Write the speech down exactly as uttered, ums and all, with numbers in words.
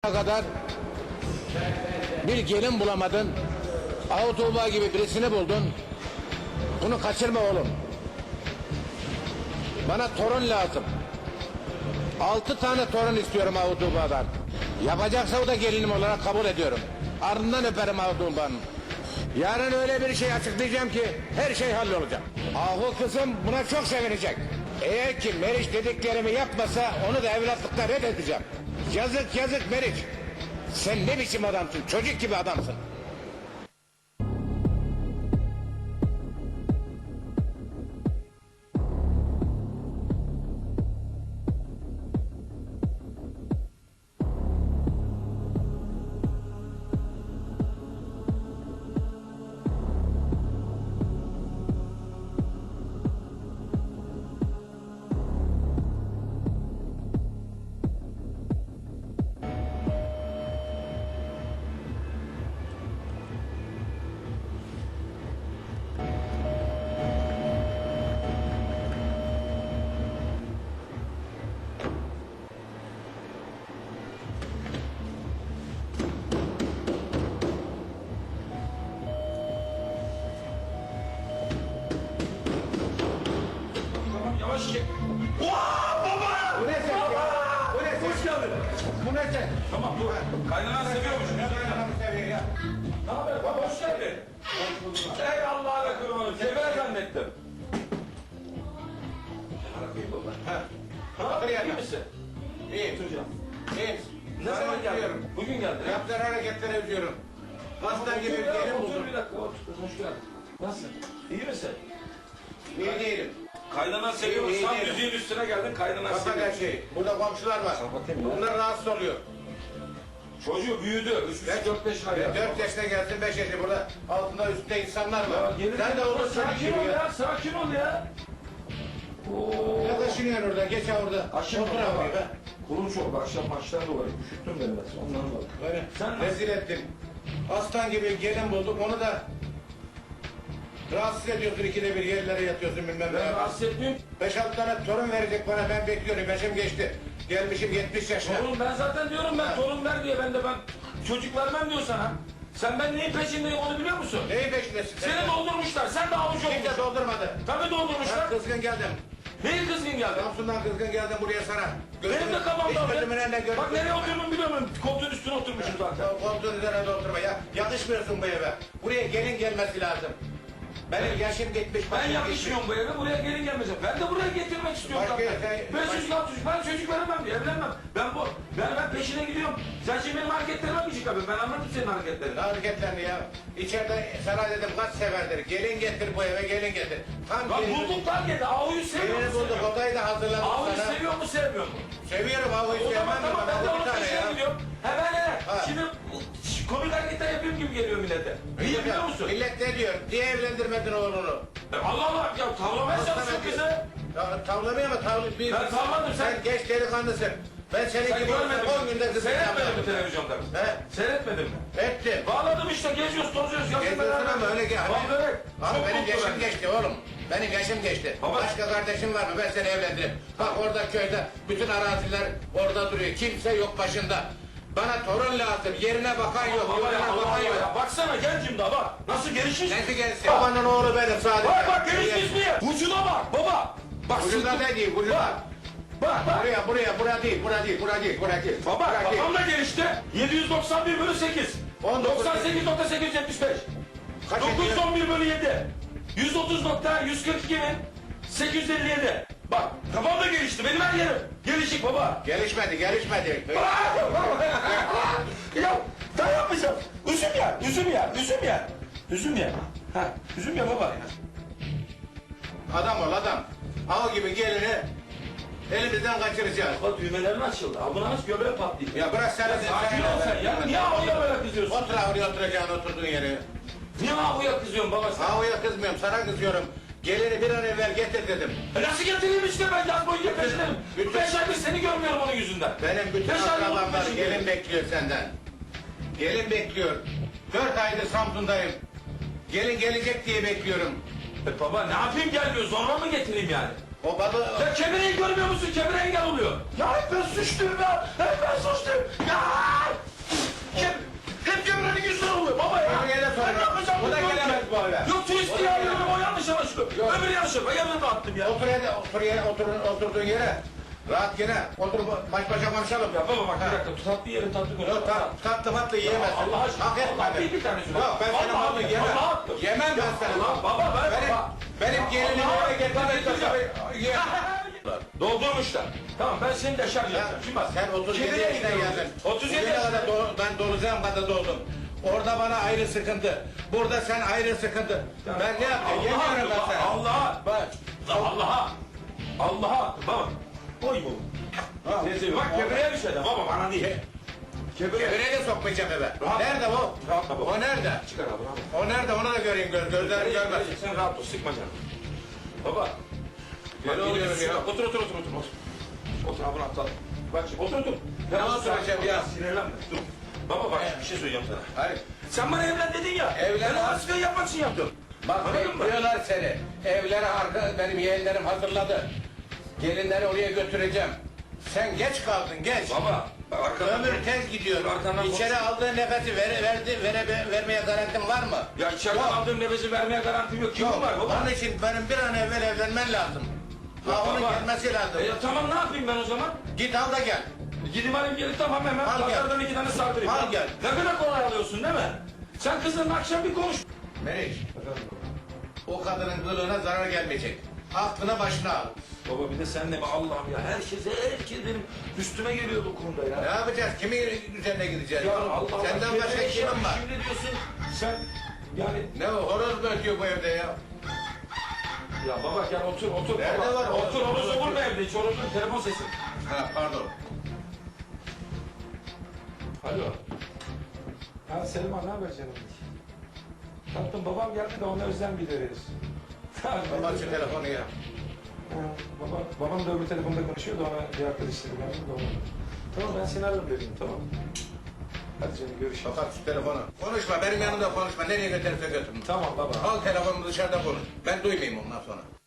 kadar bir gelin bulamadın. Ahu Tuğba gibi birisini buldun. Bunu kaçırma oğlum. Bana torun lazım. Altı tane torun istiyorum Ahu Tuğba'dan. Yapacaksa o da gelinim olarak kabul ediyorum. Ardından öperim Ahu Tuğba'nın. Yarın öyle bir şey açıklayacağım ki her şey hallolacak. Ahu kızım buna çok sevinecek. Eğer ki Meriç dediklerimi yapmasa onu da evlatlıkta reddedeceğim. Yazık yazık Meriç. Sen ne biçim adamsın? Çocuk gibi adamsın. Yavaş çek. Vaa baba! Bu ne sen? Baba! Bu ne sen? Hoş geldin. Bu ne sen? Tamam dur. Kaynanan seviyormuş. Kaynanamı seviyor ya. Ne haber baba hoş geldin. Ey Allah'a kurbanım. Sever zannettim. Bırakayım baba. Ha. Ne Otur yapıyorsun? yerine. İyi misin? İyiyim. Hocam. İyiyim. Ne Sana zaman geldin? üzüyorum. Bugün geldin. ha? Yaptığın hareketlere üzüyorum. Aslan gibi bir Otur ya, gelin otur buldum. bir dakika. Otur. Hoş geldin. Nasılsın? İyi misin? İyi değilim. Kaynanan seviyormuş. iyi Tam değilim. müziğin üstüne geldin. Kaynanan Kapat her seviyormuş. şeyi. Burada komşular var. Kapatayım ya. Bunlar rahatsız oluyor. Çocuğu büyüdü. üç dört beş ay. Ben dört yaşına gelsin, beş yaşında burada altında üstte insanlar Ya var. gelin Sen de olur çocuk sakin gibi ol ya. ya. Sakin ol ya. Oo. Ne taşınıyorsun orada? Geç ha orada. Aşağı Otur abi be. Kurun çok akşam maçtan dolayı üşüttün beni biraz ondan dolayı. Böyle Sen rezil ettin. Aslan gibi gelin bulduk onu da rahatsız ediyorsun, ikide bir yerlere yatıyorsun bilmem ne. Ben rahatsız etmiyorum. Beş altı tane torun verecek bana, ben bekliyorum, yaşım geçti. Gelmişim yetmiş yaşına. Torun ben zaten diyorum ben torun ver diye ben de ben çocuk vermem diyor sana. Sen ben neyin peşindeyim onu biliyor musun? Neyi peşindesin? Seni doldurmuşlar sen de avuç Kimse olmuşsun. doldurmadı. Tabii doldurmuşlar. Ben kızgın geldim. Neyin kızgın geldi? Samsun'dan kızgın geldim buraya sana. Benim de kafamda Hiç var. gözümün önüne gözüm. Bak nereye oturduğumu biliyor musun? Koltuğun üstüne oturmuşum zaten. Koltuğun üzerine oturma ya. Yakışmıyorsun bu eve. Buraya gelin gelmesi lazım. Benim yaşım gitmiş. Ben başım yakışmıyorum bu eve, buraya gelin gelmeyeceğim. Ben de buraya getirmek istiyorum Başka zaten. şey- Ben baş- çocuk, çocuk, ben çocuk veremem diye, evlenmem. Ben bu, ben, ben peşine gidiyorum. Sen şimdi benim hareketlerime mi çıkardın? Ben anladım senin hareketlerini. Ne hareketlerini ya? İçeride sana dedim kaç seferdir. Gelin getir bu eve, gelin getir. Tam Bak gelin- bulduk lan dedi, Avu'yu seviyor Gelini mu bulduk, sevmiyor mu? odayı da hazırladım Avu'yu sana. seviyor mu sevmiyor mu? Seviyorum Avu'yu O zaman sevmem. tamam ben de Avu onun bir tane peşine ya. gidiyorum. He ben he. Ha. Şimdi komik hareketler yapayım gibi geliyor millete. Niye biliyor musun? Millet ne diyor? Niye evlendirmedin oğlunu? Allah Allah ya tavlamaya çalışıyor kızı. Ya, tavlamaya mı? Tavlı, bir, Ben tavladım, sen. sen- geç delikanlısın. Ben senin Sen gibi görmedin olsam on günde mi? kızı Seyretmedin mi yapmam. televizyonda? He? Seyretmedin mi? Ettim. Bağladım işte geziyoruz tozuyoruz. yazın Geziyorsun beraber. ama öyle gel. Bak börek. Abi Çok benim mutlu yaşım ben. geçti oğlum. Benim yaşım geçti. Baba. Başka kardeşim var mı? Ben seni evlendiririm. Bak orada köyde bütün araziler orada duruyor. Kimse yok başında. Bana torun lazım. Yerine bakan yok. Baba ya Yoluna Allah bakan Allah yok. ya. Baksana gencim daha bak. Nasıl gelişmiş. Nesi gelsin? Babanın oğlu benim sadece. Bak bak gelişmiş niye? Vücuda bak baba. Bak Vücuda sırtı- ne değil? Vücuda. Bak. Bak bak. Buraya buraya bura değil. Bura değil. Bura değil. Bura değil. Baba Bura değil. kafam da gelişti. yedi yüz doksan bir bölü sekiz. on dokuz. doksan sekiz nokta sekiz yüz yetmiş beş. Kaç dokuz yüz ediyor? on bir bölü yedi. yüz otuz nokta yüz kırk iki bin sekiz yüz elli yedi. Bak kafam da gelişti. Benim her yerim. Gelişik baba. Gelişmedi. Gelişmedi. Ya dayanmayacağım. Üzüm ya, üzüm ya, üzüm ya. Üzüm ya. Ha, üzüm ya baba. Adam ol adam. Av gibi gelini elimizden kaçıracağız. Baba düğmelerin açıldı. Abone aç göbeğe patlayacak. Ya bırak sen. Sakin ol sen ya. Niye avuya böyle kızıyorsun? Otur avluya oturacaksın oturduğun yere. Niye avuya kızıyorsun baba sen? Avluya kızmıyorum, sana kızıyorum. Gelini bir an evvel getir dedim. E nasıl getireyim işte ben yaz boyunca peşindeyim. bütün- Beş aydır seni görmüyorum onun yüzünden. Benim bütün Beş aydır onun akrabamlar peşindeyim. gelin bekliyor senden. Gelin bekliyor. Dört aydır Samsun'dayım. Gelin gelecek diye bekliyorum. E baba ne yapayım gelmiyor zorla mı getireyim yani? O balı... Ya Kemire'yi görmüyor musun? Kemire engel oluyor. Ya hep ben suçluyum ya. Hep ben suçluyum. Ya o eve. Yok turist diye arıyorum o yanlış anlaşılıyor. Yok. Öbürü yanlış anlaşılıyor. Ben yanına attım ya. Otur yere, otur yere, otur, oturduğun yere. Rahat yine. Otur baş başa konuşalım. Ya baba bak Ha. bir dakika tatlı yiyelim tatlı konuşalım. Yok tat, tatlı matlı yiyemezsin. Allah aşkına. Hak etmedin. Allah bir, bir tane söyle. Yok ben senin Vallahi malını bak, yemem. vallahi attım. Yemem ben Ya senin. Allah, baba ver Benim, baba. benim gelinimi Allah, eve getirmek Allah, tabii yiyemem. Doldurmuşlar. Tamam ben seni de şarj edeceğim. Şimdi bak. Sen otuz yedi Kibir'e yaşına gidiyoruz. geldin. otuz yedi Bugüne yaşına. kadar do- ben dolacağım kadar doldum. Orada bana ayrı sıkıntı. Burada sen ayrı sıkıntı. Ben ne yapayım? Yemiyorum ben sana. Allah'a. Bak. Allah'a. Allah'a. Baba. Koy bu. Ha. Teyze bak kebriye bir şey de baba bana değil. Kebriye. Kevreye de sokmayacağım eve. Rahat. Nerede o? Rahatla baba. O nerede? Çıkar abi rahat. O nerede? Onu da göreyim. Göz, gözlerim görmez. Sen rahat ol sıkma canım. Baba. Gel Bak, oğlum gidiyoruz ya. şuna. Otur otur otur otur. Otur, otur abi rahat ol. Bak şimdi otur otur. Ne Ya, oturacağım ya? Sinirlenme. Dur. Baba bak bir şey söyleyeceğim sana. Hayır. Sen bana evlen dedin ya. Evlen. Ben o haskayı yapmak için yaptım. Bak Anladın mı? bekliyorlar seni. Evlere arka, benim yeğenlerim hazırladı. Gelinleri oraya götüreceğim. Sen geç kaldın geç. Baba. Bak arkadan. Ömür tez gidiyor. Arkandan İçeri aldığın nefesi ver, verdi, vere, vermeye garantin var mı? Ya içeriden Yok. aldığım nefesi vermeye garantim yok. Kim Yok. var baba? Onun için benim bir an evvel evlenmen lazım. Ya Ha, onun baba. gelmesi lazım. E, ya tamam ne yapayım ben o zaman? Git al da gel. Gidip alayım gelip tamam hemen Al gel. pazardan iki tane sardırayım. Al gel. Ne kadar kolay alıyorsun değil mi? Sen kızınla akşam bir konuş. Meriç, o kadının kılığına zarar gelmeyecek. Aklına başına al. Baba bir de sen de mi Allah'ım ya herkese herkes benim üstüme geliyor bu konuda Ne ya. yapacağız? Kimin üzerine gideceğiz? Ya Allah Allah. Senden Şimdi başka şey kimin yap, var? Şimdi diyorsun sen yani Ne o? Horoz mu ötüyor bu evde ya? ya baba gel otur otur. Nerede baba. var o? Otur horozu vurma evde hiç horozun telefon sesi. Ha pardon. Alo. Ha Selma ne haber canım? Tatlım babam geldi de ona özen bildiririz. Kapat şu telefonu ya. Baba, babam da öbür telefonda konuşuyordu ona bir arkadaş dedi ben de onu. Tamam ben seni ararım dedim tamam. Hadi canım görüşürüz. Kapat şu telefonu. Konuşma benim yanımda konuşma. Nereye götürürse götürün. Tamam baba. Al telefonumu dışarıda konuş. Ben duymayayım ondan sonra.